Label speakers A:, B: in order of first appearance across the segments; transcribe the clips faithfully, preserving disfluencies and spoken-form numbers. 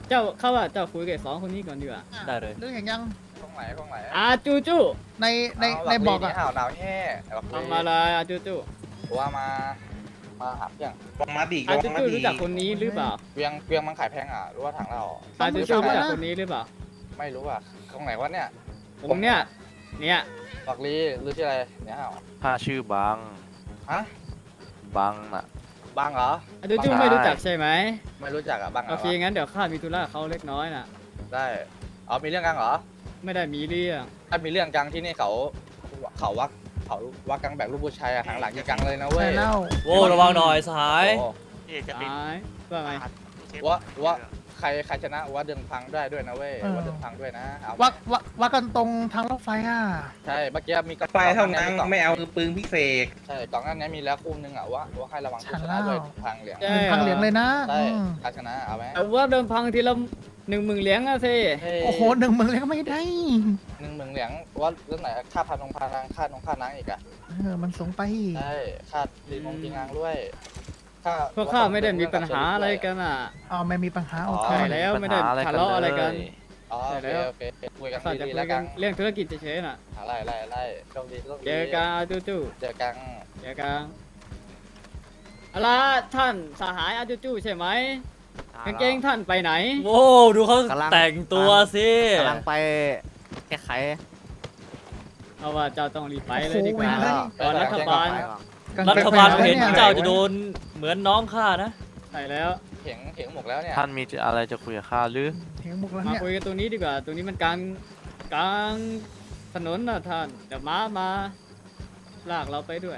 A: เจ้าเข้าว่าเจ้าคุยกับสองคนนี้ก่อนดีกว่า
B: ได้เลย
C: เรื่องอย่างยัง
D: ตรงไหนตรงไหน
A: อาจูจู
C: ในในในบอกอะ
D: อ้าวหนาวแห่แบบ
A: ทำอะไรอาจูจู
D: ว่ามามาหาเพียง
E: ลงมาดี
A: อา
E: ล
A: จู
E: งมา
A: จู
E: ดี
A: รู้จักคนนี้หรือเปล่า
D: เวียงเวียงมันขายแพงอ่ะหรือว่าถังเรา
A: อาจูจูรู้จักคนนี้หรือเปล่า
D: ไม่รู้อ่ะตรงไหนวะเนี่ย
A: ผมเนี่ยเนี่ย
D: บักลีหรือที่อะไรเนี่ยเหรอ
F: ถ้าชื่อบัง
D: ฮะ
F: บังน่ะ
D: บังเหรอ
A: อาจูจูไม่รู้จักใช่ไหม
D: ไม่รู้จักอ่ะบังเหร
A: โอ
D: อ
A: เคงั้นเดี๋ยวข้ามีธุระกับเขาเล็กน้อยน่ะ
D: ได้อ๋อมีเรื่องกันเหรอ
A: ไม่ได้มีเรื่อง
D: ถ้ามีเรื่องกังที่นี่เขาเขาวักเขาวักกังแบบลูกผู้ชายอะหางหลังยิงกังเลยนะเว้
C: ใช่
D: ย
C: แล้ว
B: โว้ระวังหน่อยสหาย
D: โอ้
A: ตายว่าไง
D: ว่าว่าใครใครชนะว่าเดินพังได้ด้วยนะเว้ยว่าเดินพังด้วยนะเอา
C: วักวักวักกันตรงทางรถไฟอ่ะ
D: ใช่เมื่อกี้มีกระ
E: ไฟเท่านั้นไม่เอาปืนพิเศษ
D: ใช่กล่องนั้นนี้มีแล้วคู่นึงอ่ะว่าว่าให้ระวังผู้ชนะด้วยทางเหลือง
A: ใช่
C: เป็นทางเหลียงเลยนะ
D: ใช่
C: อืม
D: ใครชนะเอาไหม
A: เอาว่าเดิมพังทีละหนึ่งหมื่นเหรียญอะสิ
C: โอ้โหหนึ่งเมืองเลยก็ไม่ได้
D: หนึ่งหมื่นเหรียญว่าเรื่องไหนค่าพันนงพานางค่านงค่านังอีกอ่ะ
C: เออมันสูงไป
D: ใช่ค่าดีมงดีงางด้วยค่า
A: พวกข้าไม่ได้มีปัญหาอะไรกันอ่ะ
C: อ๋อไม่มีปัญหาโอเค
A: ใช่แล้วไม่ได้ทะเลาะอะไรกัน
D: อ๋อโอ
A: ใช่
D: เค
A: แล้ว
D: โอเคคุยกัน
A: ข้าจะ
D: ดีๆ
A: คุ
D: แล้
A: ยว กั
D: กัน น
A: เรื่องธุรกิจเฉยๆน่ะ
D: ไล่ไล่ไล่โชคดีโชคดี
A: เจอกันอาจูจู
D: เจอกัน
A: เจอกันเอาล่ะท่านสหายอาจูจูใช่ไหมกางเกงท่านไปไหน
B: โว้ดูเขา
G: กำลัง
B: แต่งตัวสิ
G: กำลังไปแก้ไข
A: เอาว่าเจ้าต้องรีบไปเลย
C: โอ้โห
A: ดีกว่า
C: เว้ย
A: ก่อนรัฐบาล
C: กง
B: รั
C: เกง
B: ฐบาล
C: ไฟ
B: เห็น
C: นี่ย
B: เจ้าจะโดนเหมือนน้องข้านะ
A: ใช่แล้ว
D: เถียงเถียงหมกแล้วเนี่ย
F: ท่านมีอะไรจะคุยกับข้าหรือ
C: เถียงบุกแล้ว
A: มา
C: เนี่ย
A: คุยกันตรงนี้ดีกว่า ตรงนี้มันกลางกลางถนนนะท่านเดี๋ยวม้ามาลากเราไปด้วย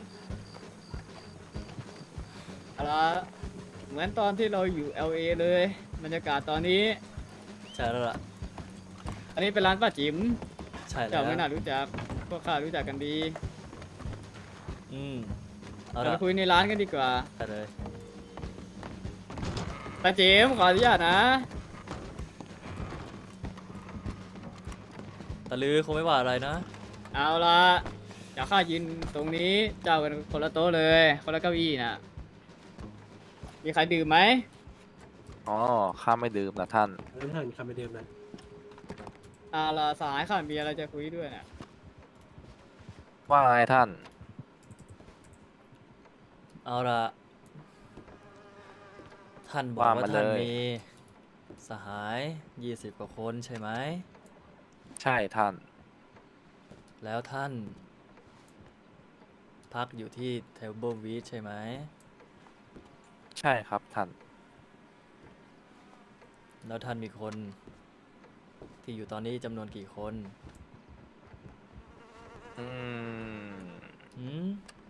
A: เอาละเหมือนตอนที่เราอยู่ แอล เอ เลยบรรยากาศตอนนี้
B: ใช่แล้วล่ะ
A: อันนี้เป็นร้านป้าจิ๋ม
B: ใช่แล้
A: เจ้าว ไม่น่ารู้จักพวกข้ารู้จักกันดี
B: อืมเอา
A: เรา
B: ละ
A: ไปคุยในร้านกันดีกว่า
B: ได้เลย
A: ป้าจิ๋มขออนุญาตนะ
B: ตะลือคงไม่ว่าอะไรนะ
A: เอาละเดี๋ยวข้ายืนตรงนี้เจ้ากันคนละโต๊ะเลยคนละเก้าอี้นะมีใครดื่มไหม
F: อ๋อ ข้าไม่ดื่มนะท่าน
H: เริ่มถ่ายมีคำไปเดิมนะ
A: เอาละสหายข้ามีอะไรจะคุยด้วยนะ
F: ว่าไงท่าน
B: เอาละท่านบอก
F: ว่า
B: ว่า
F: มา
B: ท่าน
F: เลย
B: มีสหายยี่สิบกว่าคนใช่ไหม
F: ใช่ท่าน
B: แล้วท่าน พักอยู่ที่เทเบิลวีชใช่ไหม
F: ใช่ครับท่าน
B: แล้วท่านมีคนที่อยู่ตอนนี้จำนวนกี่คน
F: อืม
B: อืม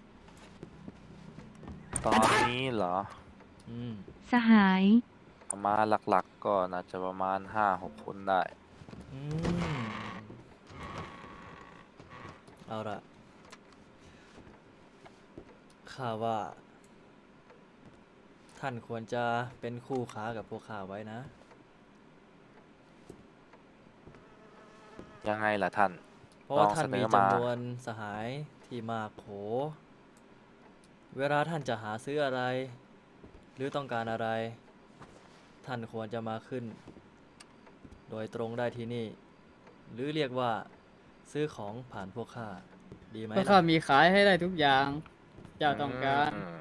F: ตอนนี้เหรอ
B: อืม
I: สหาย
F: ประมาณหลักๆ ก็น่าจะประมาณห้าหกคนได้
B: อืม เอาละข้าว่า ท่านควรจะเป็นคู่ค้ากับพวกข้าไว้นะ
F: ยังไงล่ะท่าน
B: เพราะว่า
F: ลอง
B: ท่านมี
F: เสนอมา
B: จำนวนสหายที่มากโข เวลาท่านจะหาซื้ออะไร หรือต้องการอะไร ท่านควรจะมาขึ้น โดยตรงได้ที่นี่ หรือเรียกว่าซื้อของผ่านพวกข้า ดีไหม
A: พวกข้า
B: ล่ะ
A: มีขายให้ได้ทุกอย่าง เจ้าต้องการ
F: อืม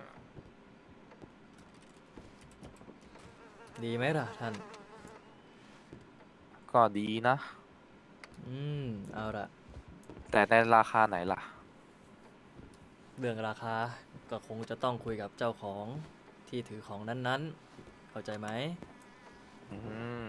B: ดีไหมล่ะท่าน
F: ก็ดีนะ
B: อืม เอาละ
F: แต่ในราคาไหนล่ะ
B: เรื่องราคา ก็คงจะต้องคุยกับเจ้าของที่ถือของนั้นๆ เข้าใจไหม
F: อืม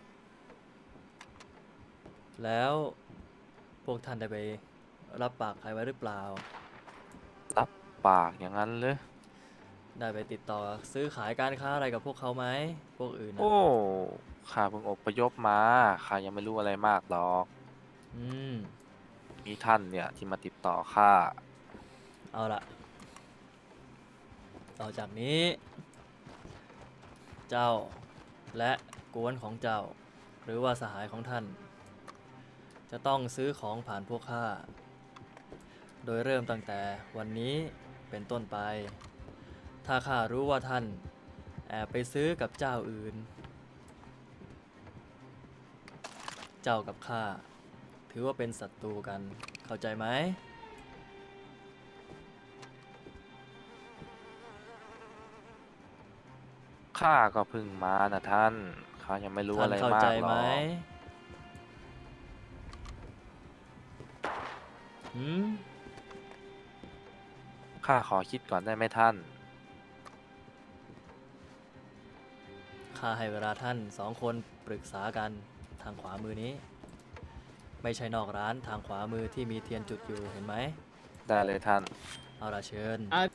B: แล้วพวกท่านได้ไปรับปากใครไว้หรือเปล่า
F: รับปากอย่างนั้นเลย
B: ได้ไปติดต่อซื้อขายการค้าอะไรกับพวกเขาไหม พวกอื่นนะ
F: โอ้ ข้าเพิ่งอพยพมา ข้ายังไม่รู้อะไรมากหรอก
B: อืม
F: มีท่านเนี่ยที่มาติดต่อข้า
B: เอาละต่อจากนี้ เจ้าและกวนของเจ้า หรือว่าสหายของท่าน จะต้องซื้อของผ่านพวกข้า โดยเริ่มตั้งแต่วันนี้เป็นต้นไป ถ้าข้ารู้ว่าท่านแอบไปซื้อกับเจ้าอื่นเจ้ากับข้าถือว่าเป็นศัตรูกันเข้าใจไหม
F: ข้าก็เพิ่งมานะท่านข้ายังไม่รู้
B: ท่าน
F: อะไร
B: เข้าม
F: าก
B: ใจ
F: หร
B: ไหม
F: อก
B: หืม
F: ข้าขอคิดก่อนได้ไหมท่าน
B: ข้าให้เวลาท่านสองคนปรึกษากันทางขวามือนี้ ไม่ใช่นอกร้านทางขวามือที่มีเทียนจุดอยู่เห็นไหม
F: ได้เลยท่าน
B: เอาละเชิญ
A: อ่ะ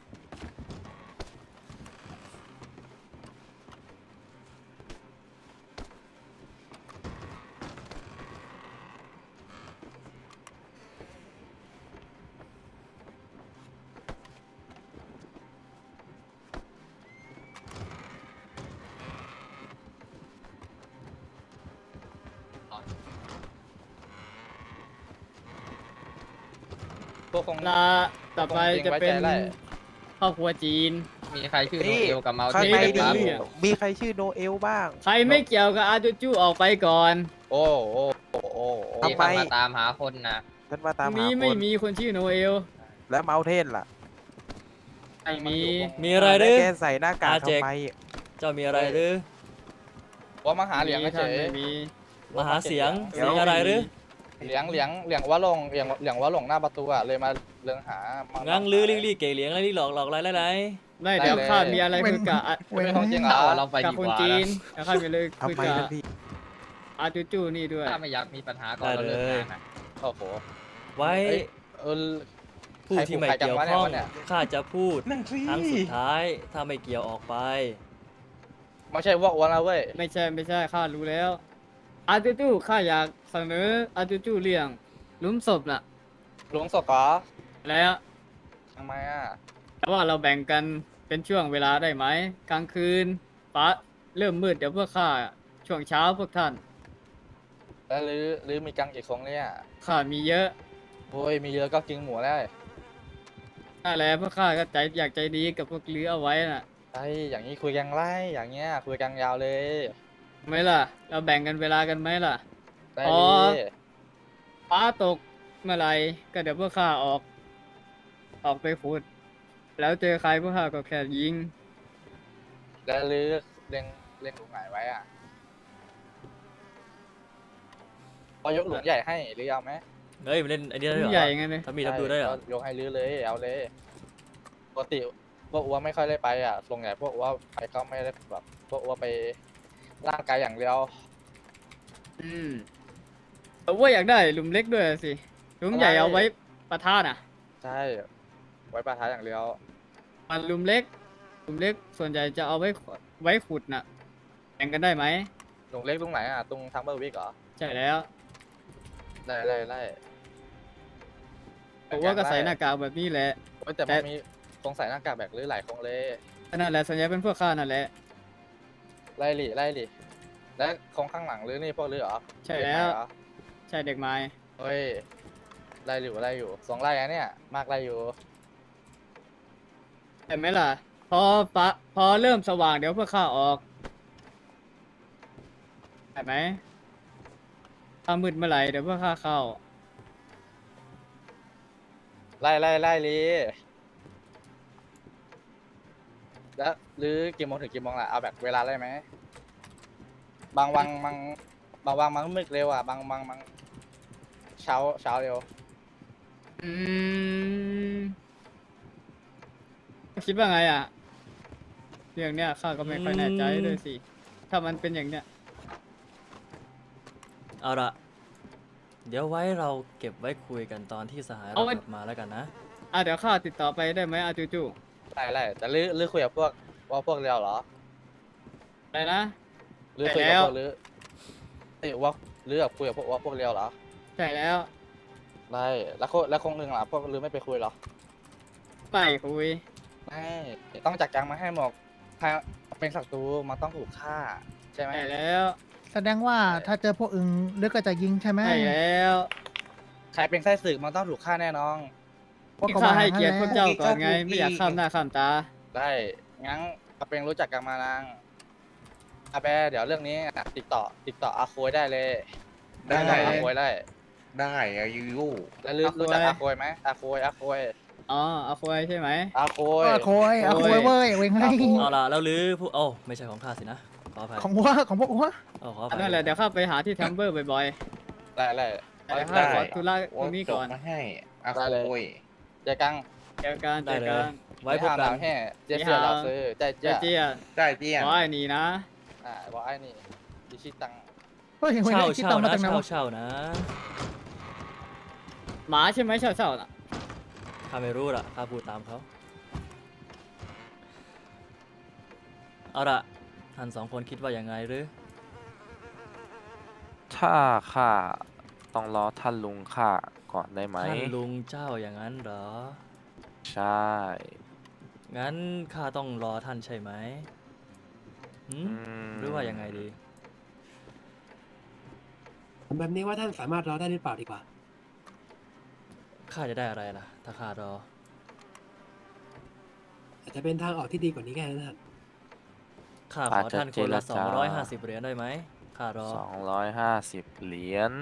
D: พวกคง
A: ลาต่อไปจะเป็น
D: ไว้ใจได้
A: ครอบครัวจีน
D: มีใครชื่อโน
H: นี่
D: เอลกับเมา
H: ข้าง
D: เท
H: ใน
A: ไม่
H: ดี
A: ได้
D: บ้าง
H: มีใครชื่อโนเอลบ้าง
A: ใครไม่เกี่ยวกับอาจูจูออกไปก่อน
D: โอ้โอ้โอ้โอ้โอ้
H: ทำไม
D: มาตามหาคนนะ
H: ฉันมาตามหา
A: มี
H: ค
A: ไม่
H: น
A: มีคนชื่อโนเอล
H: แล้วเมาเทนล่ะ
A: ไม่มี
B: มีอะไรห
H: แล้
B: รื
H: ว
B: อ
H: แกใส่หน้ากาก
B: อาเจก
H: ทำไม
B: เจ้ามีอะไรหรือ
D: ว่ามาหาเหลียง
A: ไม่
D: เฉย
A: ไม่มี
B: มาหาเสียง
H: เดี๋ยว
B: เสียงอะไรหรือ
D: เหลียงเหลียงเหลียงว่าลงเหลียงเหลียงว่าลงหน้าประตูอะเลยมาเรื่องหามา
B: งังลือลิงลี่เก๋เหลียงอะไรลี่หลอกหลอกอะไรอะไรอะไร
A: ไม่เดี๋ยวข้ามีอะไร
C: เว้น
A: คุยกับอ่ะ
C: เว้น
D: เป็นของจริงเหรอเราไป
A: กับ
D: ดี
A: คน
D: กว่า
A: จีนแล้วข้ามีเลยคุย
H: ทำไม
A: กับ
H: ท่านพี่
A: อาจูจูนี่ด้วย
D: ถ้าไม่อยากมีปัญหาก่อนเราเลิกงานนะโอ้โห
B: ไว้
D: เอ้ยเออ
B: ผู้ที่ไม่เกี่ยวข้องข้าจะพูด
H: นั่งสิ
B: ครั้งสุดท้ายถ้าไม่เกี่ยวออกไป
D: ไม่ใช่ว่าอ้วนนะเว้ย
A: ไม่ใช่ไม่ใช่ข้ารู้แล้วอาจูจูข้าอยากเสนออาจูจูเรื่องหลุมศพน่ะ
D: หลวงศกเหรอ
A: แล้ว
D: ทำไมอ่ะ
A: แต่ว่าเราแบ่งกันเป็นช่วงเวลาได้ไหมกลางคืนฟ้าเริ่มมืดเดี๋ยวพวกข้าช่วงเช้าพวกท่าน
D: แล้วหรือหรือมีกังกี่คงเนี่ย
A: ข้ามีเยอะ
D: โอ้ยมีเยอะก็กินหมูแล้ว
A: นั่นแหละพวกข้าก็ใจอยากใจดีกับพวกลือเอาไว้น่ะ
D: ไอ้อย่างนี้คุยกันไล่อย่างเงี้ยคุยกันยาวเลย
A: ไหมล่ะ เราแบ่งกันเวลากันไหมล่ะ
D: ได้
A: อ๋อ
D: ดี
A: ฟ้าตกเมื่อไหรก็เดี๋ยวพวกข้าออก ออกไปขุด แล้วเจอใครพวกข้าก็แค่ยิง
D: แล้วหรือเล็งเล็งหลุมไหนไว้อ่ะพอยกหลุมใหญ่ให้หรือเอาไหม
B: เฮ้ยมันเล่นไอ้นี่ได้เหรอ
A: ใหญ่ไงเลย
B: ทำมีทำดูได้เหรอ
D: ก็ยกให้ลื้อเลยเอาเลยปกติพวกอ้วไม่ค่อยได้ไปอ่ะส่วนใหญ่พวกอ้วไปก็ไม่ได้แบบพวกอ้วไปร่างกายอย่างเดียว
A: อืมแต่ว่าอยากได้หลุมเล็กด้วยสิ หลุมใหญ่
D: อะไร
A: เอาไว้ประทานอ่ะ
D: ใช่ไว้ปะทะอย่างเดียว
A: อันหลุมเล็ก หลุมเล็กส่วนใหญ่จะเอาไว้ขดไว้ขุดน่ะ แบ่งกันได้ไหม
D: หลุมเล็กตรงไหนอ่ะตรงทางเบอร์วิกเหรอ
A: ใช่แล้ว
D: ได้ได้ได้
A: ผมว่าก็ใส่หน้ากากแบบนี้แหละ
D: เว้ยแต่
A: แต่
D: มันมีคงใส่หน้ากากแบบหรือหลายคงเลย
A: นั่นแหละส่วนใหญ่เป็นพวกข้านั่นแหละ
D: ไล่หลีไล่หลีและคงข้างหลังหรือนี่พวกหรือเหรอ
A: ใช่แล้ว
D: เด็กไหนเหรอ
A: ใช่เด็กไม้
D: เฮ้ยไล่อยู่ไล่อยู่สองไล่อะเนี่ยมากไล่อยู่
A: เห็นไหมล่ะ พอปะพอเริ่มสว่างเดี๋ยวพวกข้าออกเห็นไหมถ้ามืดเมื่อไหร่เดี๋ยวพวกข้าเข้า
D: ไล่ไล่ไล่หลีแล้วหรือกี่โมงถึงกี่โมงล่ะเอาแบบเวลาได้ไหมบางวังมังบางวังมังมืดเร็วอ่ะบางบางมังเช้าเช้าเร็ว
A: อืมคิดว่าไงอ่ะเรื่องเนี้ยข้าก็ไม่ค่อยแน่ใจด้วยสิ ถ้ามันเป็นอย่างเนี้ย
B: เอาละเดี๋ยวไว้เราเก็บไว้คุยกันตอนที่สหายเรา
A: เอาไว้
B: กลับมาแล้วกันนะ
A: อ่ะเดี๋ยวข้าติดต่อไปได้ไหมอาจูจู
D: ไล่ไล่แต่หรือหรือคุยกับพวกว่าพวกเรียวเหรอ
A: อะไรนะ
D: หรือคุยกับ
A: แล้ว
D: พวกหรือเอ้ยว่าหรือแบบคุยกับพวกว่าพวกเรียวเหรอ
A: ใช่แล้ว
D: ไล่แล้วคงแล้วคงหนึ่งล่ะพวกหรือไม่ไปคุยเหรอ
A: ไม่คุย
D: ไม่ต้องจัดการมาให้หมดใครเป็นศัตรูมันต้องถูกฆ่าใช่ไหม
A: ใช่แล้ว
C: แสดงว่าถ้าเจอพวกอึงเลือกก็จะยิงใช่ไหม
A: ใช่แล้ว
D: ใครเป็นไส้ศึกมันต้องถูกฆ่าแน่นอน
C: พวก
A: ที่
C: ก็
A: ข้า
C: ว่า
A: ให้เกียรติพวกเจ้าก่อนไง
H: อีก
A: ไม่อยากข้ามหน้าข้ามตา
D: ได้งั้นอาเป็นรู้จักกันมานางอาแปเดี๋ยวเรื่องนี้ติดต่อติดต่ออาโคยได้เลย
E: ได้
D: ได้อาโคยได้
E: ได้อายุ
D: แล้วรู้รู้จักอาโคยไหมอาโคยอาโคย
A: อ๋อเอาควายใช่ไหม
D: อาโคย
C: อาโคยอาโคยเว้ยเว้งให้
D: อาโคย
B: เอาละแล้วหรือผู้โอ้ไม่ใช่ของข้าสินะขออภัย
C: ของวัวของพวกวัว
B: เอาขออภั
A: อัน
B: ย
A: นั่นแหละเดี๋ยวข้าไปหาที่แทมเบอร์บ่อย
D: ได้ได้
A: ๆแต่ข้าขอธุระตรงนี้ก่อน
E: มาให้อา
D: ได้เลย
E: โคย
D: เจ๊กัง
A: เจอกันเจ
B: ได้
A: อ
B: เล
A: กั
B: ย
A: น
B: ไว้พบกัน
D: แห่เจ๊เสือเราซื้อใจ
A: เจ๊
D: เจ๊
A: เจี๊ย
E: ได้เตี้ย
A: ขอไอ้นี่นะ
D: อ่าบอกไอ้นี่ดิชิตัง
C: เฮ้ยเว้ง
B: เช่า
C: ให้คิด
B: เช่า
C: ตังค์มา
B: นะ
C: จากไหน
B: เช่าว
C: ะ
B: เช่านะ
A: หมาใช่ไหมเช่าเช่าน่ะ
B: ข้าไม่รู้ละข้าพูดตามเขาเอาละท่านสองคนคิดว่ายังไงหรือ
F: ถ้าข้าต้องรอท่านลุงข้าก่อนได้ไหม
B: ท่านลุงเจ้าอย่างนั้นเหรอ
F: ใช่
B: งั้นข้าต้องรอท่านใช่ไหมหืม
F: อืม
B: หรือว่ายังไงดี
I: ผมแบบนี้ว่าท่านสามารถรอได้หรือเปล่าดีกว่า
B: ข้าจะได้อะไรล่ะ ถ้าข้ารอ
I: อาจจะเป็นทางออกที่ดีกว่านี้แค่นั้นท่าน
B: ข้าขอท่านคนละสองร้อยห้าสิบเหรียญได้ไหมข้ารอ
F: สองร้อยห้าสิบเหรียญ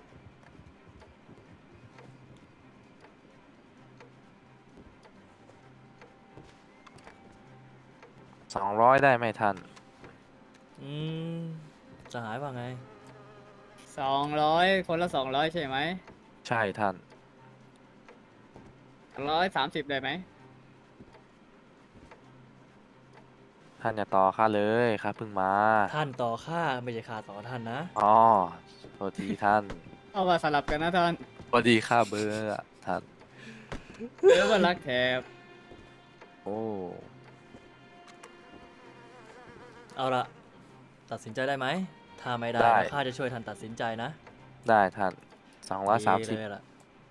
F: สองร้อยได้ไหมท่าน
B: อืมจะหายว่าไง
A: สองร้อยคนละสองร้อยใช่ไหม
F: ใช่ท่าน
A: ร้อยสามสิบได้ไหม
F: ท่านอย่าต่อข้าเลยข้าเพิ่งมา
B: ท่านต่อข้าไม่ใช่ข้าต่อท่านนะ
F: อ๋อโทษทีท่าน
A: เอาว่าสลับกันนะท่าน
F: พอดีข้าเบอร์อะท่าน
A: เดี๋ยวว่ารักแถบ
F: โอ้
B: เอาละตัดสินใจได้ไหม ถ้าไม่ได้
F: ได้
B: ข้าจะช่วยท่านตัดสินใจนะ
F: ได้ท่านสองร้อยสามสิบ
B: ดีเลยล่ะ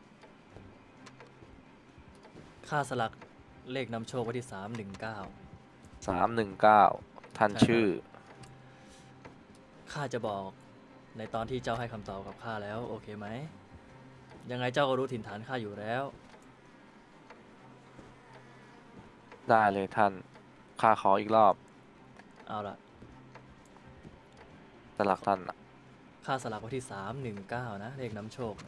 B: ค่าสลักเลขนำโชคไว้ที่สามหนึ่งเก้า
F: สามหนึ่งเก้าท่าน
B: ใช่ครับ
F: ชื่อ
B: ข้าจะบอกในตอนที่เจ้าให้คำตอบกับข้าแล้ว โอเคไหม ยังไงเจ้าก็รู้ถิ่นฐานข้าอยู่แล้ว
F: ได้เลยท่าน ข้าขออีกรอบ
B: เอาละ
F: สลักท่านอะ
B: ค่าสลักไว้ที่สามหนึ่งเก้านะ เลขนำโชค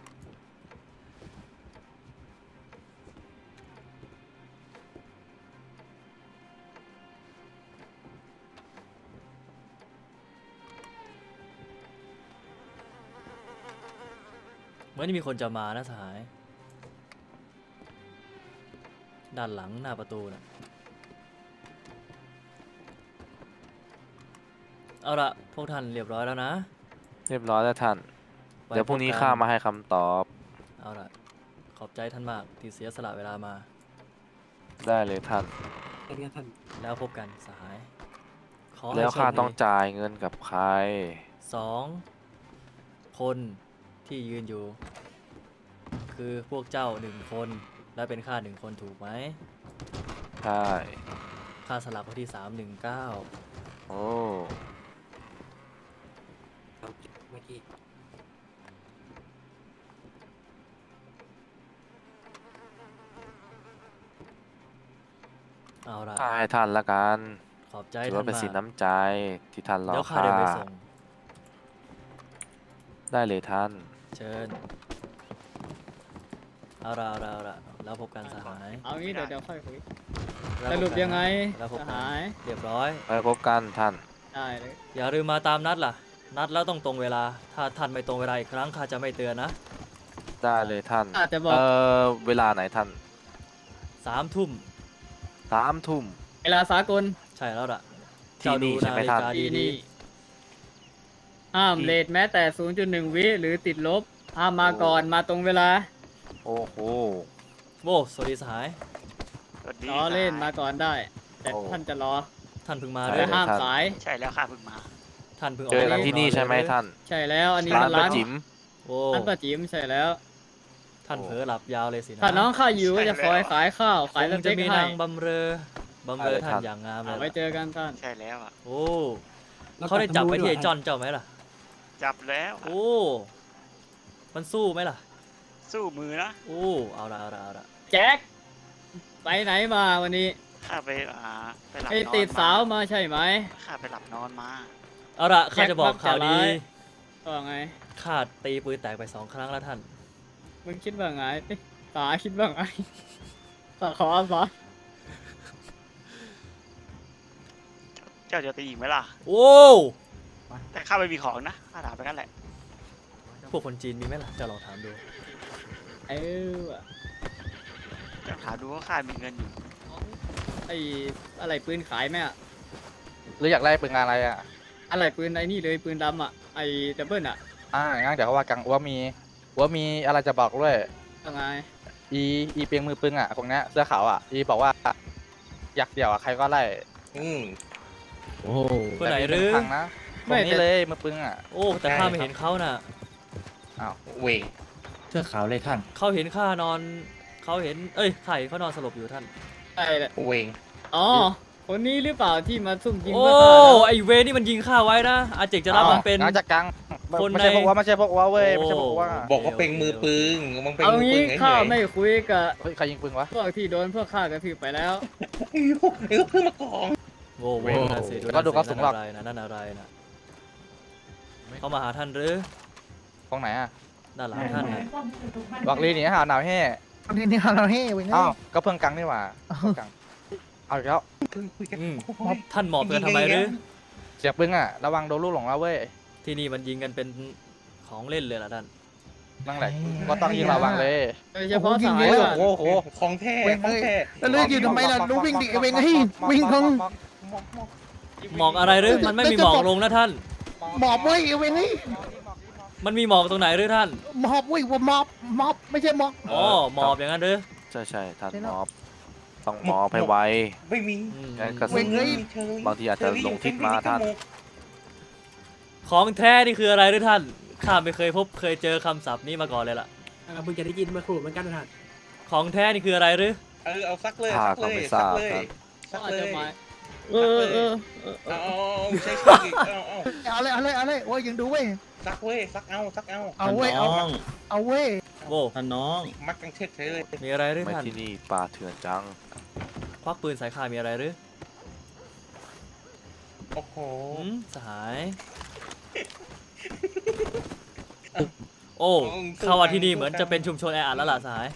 B: เหมือนจะมีคนจะมานะสหาย ด้านหลังหน้าประตูนะเอาละพวกท่านเรียบร้อยแล้วนะ
F: เรียบร้อยแล้วท่าน
B: ไว้
F: เดี๋ยวพรุ่งนี้
B: พบกัน
F: ข้ามาให้คำตอบ
B: เอาละขอบใจท่านมากที่เสียสละเวลามา
F: ได้เลยท่าน
I: เป็นไงท่าน
B: แล้วพบกันสหาย ขอให้
F: แล้วข้า
B: โชคดี
F: ต้องจ่ายเงินกับใคร
B: สองคนที่ยืนอยู่ คือพวกเจ้าหนึ่งคน และเป็นข้าหนึ่งคนถูกไหม
F: ใช่
B: ค่าสลักไว้ที่สามหนึ่งเก้า
F: โอ้
I: เอาเมื่อกี้
B: เอาละ
F: ข้าให้ท่านละกัน
B: ขอบใจ
F: ถือ
B: ท่า
F: ว่าน เป็นสิน
B: มาก
F: น้ำใจที่ท่านรอ
B: เดี๋ยวข้า
F: ข้า
B: เดินไปส่ง
F: ได้เลยท่าน
B: เชิญ เอาละเอาละเอาละแล้วพบกันสหาย
A: เอางี้เดี๋ยวเดี๋ยวค่อยคุย
B: แล้ว
A: ส
B: พบ
A: รุป
B: กัน
A: ยังไง
B: แล้วพบ
A: ส
B: กัน
A: หาย
B: เรียบร้อย
F: ไปพบกันท่าน
A: ได้เลย
B: อย่าลืมมาตามนัดล่ะ นัดแล้วต้องตรงเวลา ถ้าท่านไม่ตรงเวลาอีกครั้งข้าจะไม่เตือนนะ
F: ได้เลยท่าน
A: อาจจะบอก
F: เอ่อ เวลาไหนท่าน
B: สามทุ่ม
F: สามทุ่ม
A: เวลาสากล
B: ใช่แล้วล่ะ
F: ที่นี่
B: เจ้าดู
F: ใช่ไหม
B: ฬิ
F: ท่าน
B: กา
A: ที่
B: ดี
A: นี่ห้ามเลทแม้แต่ ศูนย์จุดหนึ่ง วิหรือติดลบ ห้ามมาก่อนมาตรงเวลา
F: โอ้โห
B: ๆโว้สวัสดีสหาย
A: ล้อเล่นมาก่อนได้ แต่
F: โอ้
A: ท่านจะรอ
B: ท่านเพิ่งมา
F: ใช่
B: ด้ว
A: และ
B: ย
A: ห้าม
F: ท่าน
A: สาย
G: ใช่แล้วค่ะเพิ่งมา
B: ท่านเพิ่งอ
F: เจ
B: อก
F: อกันที่นี่ใช่ไหมท่าน
A: ใช่แล้วอันนี้
F: ร้า
A: มัน น
F: ป้า
A: ร้าน
F: จิ๋ม
B: โอ้
A: ร้านป้าจิ๋มใช่แล้ว
B: ท่านเผลอหลับยาวเลยสินะ
A: ถ้าน้องข้าอยู่ก็จะคอยขายข้าวขาย
B: ค
A: ส
B: ง
A: เต็
B: จะ
A: ก
B: มี
A: ให้
B: นางบำเรอบำเรอท่านอย่างงามเล
A: เอา
B: ย
A: ไว้
B: ล่ะ
A: เจอกันท่าน
G: ใช่แล้วอ่ะ
B: โอ้
I: แล้ว
B: เขาได้จับไปที่ไอ้
I: ก
B: จ
I: ลั
B: อนเจ้าไหมล่ะ
G: จับแล้วอะ
B: โอ้ มันสู้ไหมล่ะ
G: สู้มือนะ
B: โอ้ เอาละเอาละเอาละ
A: แจ็คไปไหนมาวันนี้
G: ข้าไปอ่าไปหลับ
A: ไป
G: นอน
A: ติดสาว
G: มา
A: มาใช่ไหม
G: ข้าไปหลับนอนมา
B: เอาละข้า
A: แจ็ค
B: จะบอก
A: มักจะ
B: ข่าวดี
A: ร้ายว่าไง
B: ข้าตีปืนแตกไปสองครั้งแล้วท่าน
A: มึงคิดว่าไงเอ้ยตาคิดว่าไงตาขอสอน
G: เจ้าจะตีอีกไหมล่ะ
B: โว้ว
G: แต่ข้าไม่มีของนะข้าถามไปกันแหละ
B: พวกคนจีนมีไหมล่ะเจะลองถามดู
A: เออว่ะ
G: เจ้าถามดูว่าข้ามีเงินอยู่
A: ไออะไรปืนขายไหมอะ
D: หรืออยากไล่ปืนงานอะไรอ่ะ
A: อะไรปืนไอ้นี่เลยปืนดำอะไอดับเบิลอะ
D: อ่างั้นเดี๋ยวเขาว่ากังว่ามีว่ามีอะไรจะบอกด้วย
A: ว่าไง
D: อีอีเปียงมือปึงอ่ะคนเนี้ยเสื้อขาวอ่ะอีบอกว่าอยากเดี่ยวอ่ะใครก็ไล่
E: อืม
B: โอ้คนไหนหรือ
D: แต่มีเงินพังนะตรงนี้เลยมือปึงอ่ะ
B: โอ้ แต่ข้าไม่เห็นเขาน่ะ
D: อ้าว
E: เวง
J: เสื้อขาวเลยท่าน
B: เขาเห็นข้านอน เขาเห็น เอ้ยไข่เขานอนสลบอยู่ท่าน
A: ไอแหละ
E: เวง
A: อ๋อคนนี้หรือเปล่าที่มาซุ่มยิง
B: โอ้
A: เพื่อฆ่าเรา
B: ไอเวนี่มันยิงข้าไว้นะ อาเจกจะรับมันเป็น
D: งั้นจะกัง
B: คน
D: ไม่ใช่
B: ใน
D: พวกว่าไม่ใช่พวกว่าเว้ยไม่ใช่พวกว่า
E: บอกว่าเป็นมือปืนมันเป็น
A: เอา
E: มือปื
A: งี้
E: นไง
A: ข้า
E: ไง
A: ไม่คุยกับ
D: เฮ้ยใครยิงปืนวะ
A: พวกที่โดนพวกข้ากระทืบไปแล้ว
E: ไอ้พวกไอ้พวกเพิ่งมากอง
B: โว้ว
D: เว้ย
B: นั่นสิ
D: แล้วก็ดูกระสุนหรอก
B: นั่นอะไรนะนั่นอะไรนะเขามาหาท่านหรือ
D: ตรงไหนอ่ะ
B: ด้านหลังท่านนะ
D: บอกลีหนีหาหนาวแห่
C: ตอนนี้นี่เราเฮ้เว้ย
D: อ้าวก็เพิ่งกังนี่หว่าเพิ่งกังเอาอีกแล้ว
E: เพิ่งคุยกัน
B: อืม
E: โอ้ย
B: ท่านหมอบเพื่อทำไมหรือ
D: เสียบปืนอ่ะระวังโดนลูกหลงแล้วเว้ย
B: ที่นี่มันยิงกันเป็นของเล่นเลยล่ะท่าน
D: นั่งแหละก็ต้องยิงระวังเลย
A: โดยเฉพาะสาย
D: โอ้
A: ว่ะ
D: โหโอ้โห
E: ของแท้ของแท้
C: แล้วเลือกอยู่ทำไมล่ะรู้วิ่งดิไอ้เว้ยเฮ้ยวิ่งคง
B: หมอกอะไรหรือ มันไม่มีหมอกลงนะท่าน
C: หมอบเว้ยไอ้เว้ยเฮ้ย
B: มันมีหมอกตรงไหนหรือท่าน
C: หมอบเว้ยว่าหมอบหมอบไม่ใช่หมอบ
B: อ๋อหมอบอย่างนั้นหรือ
F: ใช่ใช่ท่าน
C: ใช่
F: ม
C: แล้ว
F: อบต้องมอบให้ไว
E: ไม่มี
B: อืม
F: งั้นกระสุ
C: เว้ย
F: น
C: เฮ้ย
F: บางทีอาจจะลงทิศมาท่าน
B: ของแท้นี่คืออะไรหรือท่าน ข้าไม่เคยพบเคยเจอคำศัพท์นี้มาก่อนเลยล่ะ
I: เราเพิ่งจะได้ยินมาครู่เหมือนกันนะท่าน
B: ของแท้นี่คืออะไรหรือ
E: เออเอาซักเลย
F: ข้า
E: ซัก
F: ก็
E: เลย
F: ไม่ท
E: ซั
F: ราก บ
E: เลย
F: ครับ
E: ซัก
A: อาจ
E: เล
A: จะ
E: ย
A: หมายเออเออเออเอ
E: เอา
A: อ
E: เอาเอาใช้ชื่ออีกเอาเอา
C: เอาเลยเอาเลยเอาเลยโอ้ยยังดูเว้ย
E: ซักเว้ยซักเอาซักเอา
C: เอาเว้ยเอาเอาเว้ย
B: โว้
J: ท่านน้อง
E: มัดกันเช็ดเฉยเลย
B: มีอะไรหรือ
F: ไม่
B: ท่าน
F: ที่นี่ป่าเถื่อนจัง
B: ควักปืนใส่ข้ามีอะไรหรือ
E: โอ้โห
B: หืมสหาย โอ้เข้าว่าที่นี่เหมือนจะเป็นชุมชนแออัดแล้วล่ะสหาย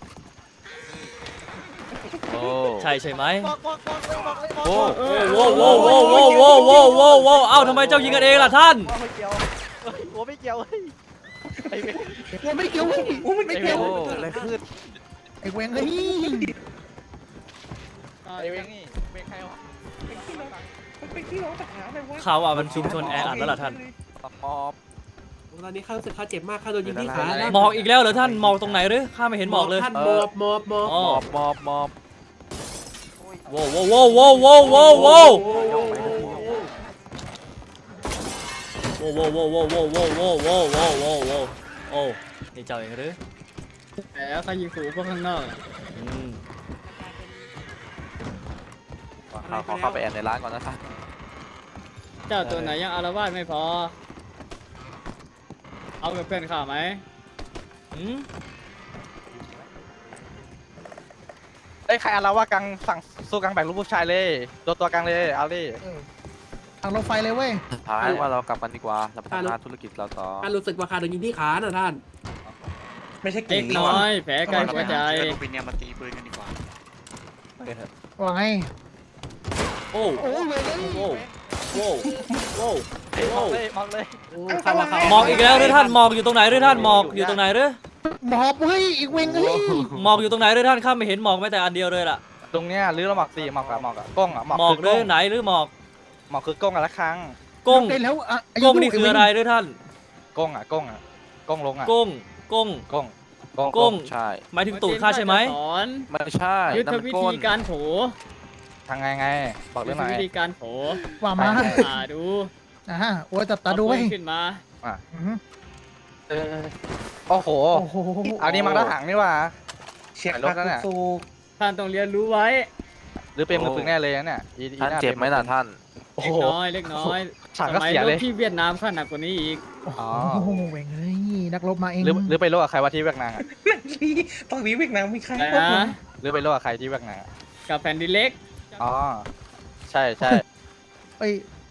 F: โอ้
B: ใช่ใช่ไหม
C: บอกบอกบอกเลยบอกเลย
F: โอ้
B: โว้โว้โว้โว้โว้โว้โว้โว้โว้เอ้าทำไมเจ้ายิงกันเองล่ะท่าน
D: ไม่เกี่ยวหัวไม่เกี่ยวเฮ้ยไอ้เว้ย
C: ว่าไม่เกี่ยวเว้ยไม่เกี่ยว
F: โอ้
H: อะไรขึ้น
C: ไอ้เว้ยเฮ้ย
D: ไอ้เว้ยนี่เว้ยใครวะ
E: มันเป็นที่ร้องปัญหาเลยวะ
B: เขาว่ามันชุมชนแออัดแล้วล่ะท่าน
D: มอบ
I: ตอนนี้ข้ารู้สึกข้าเจ็บมากข้าโดนยิงที่ขานะ
B: หมอกอีกแล้วเหรอท่านหมอกตรงไหนหรือข้าไม่เห็นหมอกเลย
I: ท่านหมอบหมอบหมอบ
B: อ๋อ
F: มอบมอบมอบ
B: โว้โว้โว้โว้โว้โว้โว้โว้โว้โว้โว้โว้โว้โว้โว้โว้โว้โว้โอ้นี่เจ้าเองหรือ
A: แต่เขายิงขู่พวกข้างนอกอะ
B: อืม
F: ขอขอเข้าไปแอนในร้านก่อนนะท่าน
A: เจ้าตัวไหนยังอารวาสไม่พอ เอากับเพื่อนข้าไหม
B: อืม
D: ไอ้ยใครอะไรว่ากังสั่งสู้กังแบ่งลูกผู้ชายเลยตัวตัวกังเลยเอาดิ
C: ทางรถไฟเลยเว้ย
F: ท้ายว่าเรากลับกันดีกว่าเราไปทำงานธุรกิจเราต่อ
I: ข้ารู้สึกว่าข้าโดนยิงที่ขานะท่าน
E: ไม่ใช่ก ลุ่มนี้
A: เล็กน้
E: ว่ะ
A: อยแผลใกล้หัวใจ
G: เจอลูกปินเนี่ยมาตีปืนกันดีกว่า
C: ว่าไง
B: โอ้
C: โอ้ยเว้ย
B: โว้โว้โว้
D: มองเลยมองเลย
I: โอ้ข้าว่าข้า
B: หมอกอีกแล้วหรือท่านหมอกอยู่ตรงไหนหรือท่านหมอกอยู่ตรงไหนหรือ
C: หมอบเว้ยอีกเว้ยเฮ้ย
B: หมอกอยู่ตรงไหนหรือท่านข้าไม่เห็นหมอกแม้แต่อันเดียวเลยล่ะ
D: ตรงเนี้ยหรือเราหมอกสี่หมอกอะหมอกอะกล้องอะหมอก
B: หมอก
D: คื
B: หรือไหนหรือหมอก
D: หมอกคือกล้องอะละครั้ง
B: ก้ง
C: ได้แล้วอ่ะ
B: ก้งนี่คืออะไรหรือท่าน
D: กล้องอะกล้องอะกล้องลงอะ
B: ก้งก้ง
D: กล้องกล้อง
B: ก้ง
F: ใช่
B: หมายถึงตูดข้าใช่ไหม
A: สอน
F: ไม่ใช่
A: ยุทธ
F: นั่นมัน
A: วิ
F: ก้
A: ธี
F: น
A: การโถ
D: ทางไงไงบอก
A: ยุ
D: เรื่
A: ท
D: อง
A: ธ
D: หน่อย
A: วิธีการโถ
C: ว่ามา
A: อ่าดู
C: อ่าโอ้ยจับตาดูเว้ย
A: เอปืนขึ้นมา
C: อืม
D: เออโอ้โห
C: โอ้โห
D: เอานี่มังทหารนี่หว่า
E: เช็ค
D: รถนั่นน่ะ
E: สูก
A: ท่านต้องเรียนรู้ไว้
D: หรือเป็นมือปืนแน่เลยนะเนี่ยอีอี
F: ท่าน
D: ห
F: เจ็บไหมน่ะท่าน
D: โอ้
A: เล็
D: โห
A: กน้อยเล็กน้อย
D: ฉาก
A: ส
D: ก็
A: มัย
D: เสีย
A: ร
D: เล
A: บ
D: ย
A: ที่เวียดนามข้าหนักกว่านี้อีก
D: อ๋อ
C: โอ้โหเว้ยเฮ้ยนักรบมาเอง
D: หรือหรือไปโลกกับใครว่าที่เวียดนามอะ
E: นี่ตอนนี้เวียดนามมีใคร
A: อะไร
E: บ้าง
A: นะ
D: หรือไปโลกกับใครที่เวียดนามอะ
A: กับแผ่นดินเล็ก
D: อ๋อใช่ใช่
C: เอ้ย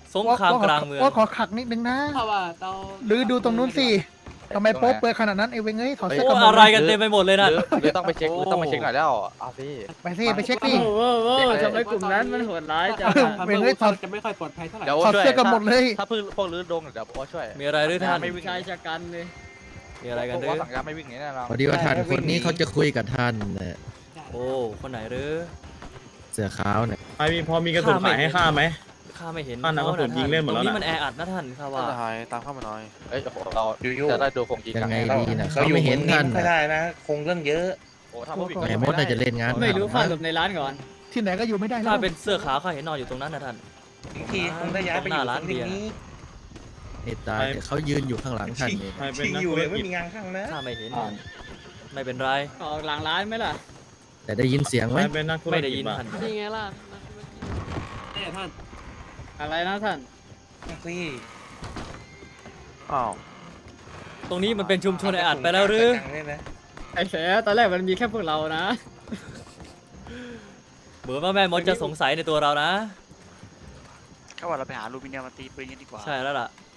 B: สงครามกลางเมือง
C: โอ้ขอขักนิดนึงนะ
I: เพราะว่าเรา
C: หรือดูตรงนู้นสิทำไมโป๊เปิดขนาดนั้นไอ้เวงเอ้ยถอดเสื้อ
B: โอ้
C: กันหมด
B: อะไร
C: เลย
B: กันเต็มไปหมดเลยนะ
D: หรือหรือต้องไปเช็คหรือต้องไปเช็คหน่อยแล้วเอาสิ
C: ไปสิไปเช็ค
A: โอ้
C: ดิ
A: โหโอ้โหทำไมกลุ่มนั้นมันโหดร้ายจัง
C: เออ
A: อะ
C: เว้ยเฮ้ยถอด
I: จะไม่ค่อยปลอดภัยเท่าไหร่
D: เดี๋ยว
C: ถอด
D: ช่วย
C: เสื้อกันหมดเลย
D: ถ้าเพิ่งพวกลื้อดงเดี๋ยวโอ้ช่วย
B: มีอะไรหรือท่าน
D: ไม่วิ่ง
A: ชายชะกันเลย
B: มีอะไรกันห
D: พ
B: รื
D: ว
B: อ
D: ว่าสั่งการไม่วิ่งหนีแน่นอน
J: พอดีว่าท่านคนนี้เขาจะคุยกับท่านน่ะ
B: โอ้คนไหนหรือ
J: เสื้อขาวเนี่ย
K: ไอมีพอมีกระสุนขายให้ข้าไหม
B: ข้าไม่เห็น
K: ท่านน่ะ
B: เขา
K: กระสุนยิงเล่นหมดแล้ว
B: ตรง
K: น่ะ
B: นี้มันแออัดนะท่านข้าว่า
F: ท่านทหารตามเข้ามาหน่อย
D: เอ้ยโอ้โหเรา
E: อยู่ๆ
D: จะได้ดูคงยิง
J: ยั
D: กัน
J: งไง
E: เรา
J: ดีนะ
E: เรา
J: เขา
E: อยู่
J: ไม่เห็น
E: นิ่
J: ท่าง น
E: ๆไม่
J: น่ะ
E: ได้นะ คงเรื่องเยอะ
D: โอ้ถ้าพวกวิ่ง
J: แหมมดน่าจะเล่นงาน
A: ไม่รู้
J: หนัก
A: ข้า
J: นะ
A: หลบในร้านก่อน
C: ที่ไหนก็อยู่ไม่ได้แล้
B: ถ้าว เป็นเสื้อขาวข้าเห็นนอนอยู่ตรงนั้นนะท่าน
E: อีกทีคงได้ย้ายไปอยู่ตรงนี้
J: ไอ้ตายแต่เขายืนอยู่ข้างหลังท่านนี่
K: ใครเป็น
E: ชิง
K: นัก
E: อยู่
K: ธุ
E: เล
K: ร
E: ยไม่
K: กิจ
E: มีงานข้างนะ
B: ข้าไม่เห็นไม่เป็นไร
A: ออกหลังร้านไหมล่ะ
J: แต่ได้ยินเสียง
K: ใค
J: ไหม
K: รเป็นนักธุร
B: ไม่ได้
K: กิ
B: ยิ
K: จ
B: น
K: บ้าง
B: ท่าน
A: นี่ไงล่ะ
I: แน่ท่าน
A: อะไรนะท่าน
E: สิ
F: อ้าว
B: ตรงนี้มันเป็นชุมชนแออัดไปแล้วหรือ
E: จังเลยนะ
A: ไอ้แสตอนแรกมันมีแค่พวกเรานะ
B: เหมือนว่าแม่มดจะสงสัยในตัวเรานะ
G: ก็ว่าเราไปหาลูมิเนียมมาตีปืนกันดีกว่า
B: ใช่แล้วล่ะ